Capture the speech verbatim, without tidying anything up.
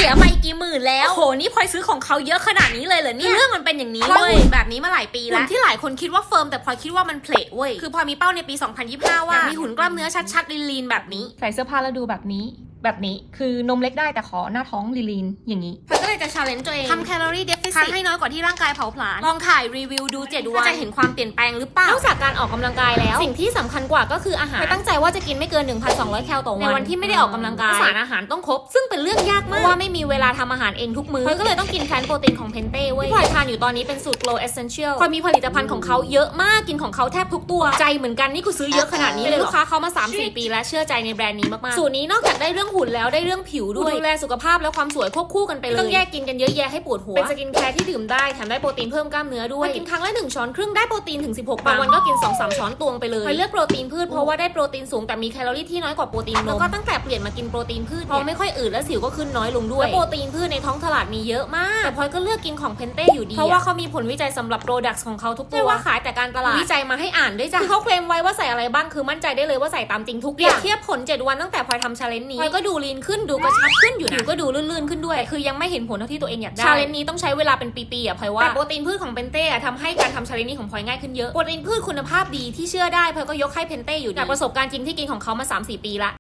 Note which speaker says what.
Speaker 1: ยไปกี่หมื่นแล้วโหนี่พลอยซื้อของเขาเยอะขนาดนี้เลยเหรอเนี่ยเรื่องมันเป็นอย่างนี้
Speaker 2: พลอย
Speaker 1: เว้ย
Speaker 2: หุ่นแบบนี้มาหลายปีแล้ว
Speaker 1: หุ่นที่หลายคนคิดว่าเฟิร์มแต่พลอยคิดว่ามันเพลทเว้ยคือพลอยมีเป้าในปีสองพันยี่สิบห้าว่ามีหุ่นกล้ามเนื้อชัดๆลีนๆแบบนี้
Speaker 3: ใส่เสื้อผ้าแล้วดูแบบนี้แบบนี้คือนมเล็กได้แต่ขอหน้าท้องลีนๆอย่างนี้
Speaker 1: พลอยก็เลยจะ challenge ตัวเอง
Speaker 2: ทำแคลอรี่เดฟฟิซิ
Speaker 1: ทาน
Speaker 2: ต
Speaker 1: ให้น้อยกว่าที่ร่างกายเผาผลาญ
Speaker 2: ลองถ่ายรีวิวดูเจ็ดวัน
Speaker 1: จะเห็นความเปลี่ยนแปลงหรือเปล่าน
Speaker 3: อกจากการออกกำลังกายแล้วสิ่งที่สำคัญกว่าก็คืออาหารตั้งใจว่าจะกินไม่เกิน หนึ่งพันสองร้อย แคลต่อวันในวันที่ไม่ได้ออกกำลังกายสารอาหารต้องครบซึ่งเป็นเรื่องยากมากเพราะว่าไม่มีเวลาทำอาหารเองทุกมื้อพลอยก็เลยต้องกินแพลนโปรตีนของเพนเต้เว้ยที่พลอยทานอยู่ตอนนี้เป็นสูตร Glow Essential พลอยมีผลิตภัณฑ์ของเขาเยอะมากกินของเขาแทบทุกตัวใจเหมือนกันนี่กูซื้อเยอะขนาดนี้เลยลูกค้าเขามา สามสี่ ปีแล้วเชื่อใจในแบรนด์นี้มากๆสูตรนี้นอกจากได้เรื่องหุ่นแล้วได้เรื่องผิวด้วยดูแลสุขภาพและความสวยควบคู่กันไปเลยต้องแยกกินกันเยอะแยะให้ปวดหัวเป็นสกินแคร์ที่ดื่มได้แถมได้โปรตีนเพิ่มกล้ามเนื้อด้วยกินครั้งละหนึ่งช้อนครึ่งได้โปรตีนถึงสิบหกบางวันก็กิน สองสาม ช้อนตวงไปเลยพลอยเลือกโปรตีนพืชเพราะว่าได้โปรตีนสูงแต่มีแคลอรี่ที่น้อยกว่าโปรตีนนมแล้วก็ตั้งแต่เปลี่ยนมากินโปรตีนพืชเพราะไม่ค่อยอืดและสิวก็ขึ้นน้อยลงด้วยและโปรตีนพืชในท้องตลาดมีเยอะมากแต่พลอยก็เลือกกินของเพนเต้อยู่ดีเพราะว่าเขามีผลวิจัยสำหรับโปรดักต์ของเขาทุกตัวไม่ว่าขายแต่การตลาดวิจัยมาให้อ่านด้วยจ้ะเขาเคลมไว้ว่าใส่อะไรบ้างคือมั่นใจได้เลยว่าใส่ตามจริงทุกอย่างเทียบผลเจ็ดวันตั้งแต่พลอยทำชาเลนจ์นี้พลอยก็ดูลีนขึ้นดูกระชับขึ้นอยู่นะก็ดูลื่นๆขึ้นด้วยคือยังไม่เห็นผลเท่าที่ตัวเองอยากได้ชาเลนจ์นี้ต้องใช้เวลาเป็นปีๆอ่ะพลอยว่าแต่โปรตีนพืชของเพนเต้ทำให้การทำชาเลนจ์นี้ของพลอยง่ายขึ้นเยอะโปรตีนพืชคุณภาพดีที่เชื่อได้พลอยก็ยกให้เพนเต้อยู่จากประสบการณ์จริงที่กินของเขามา สามสี่ ปีละ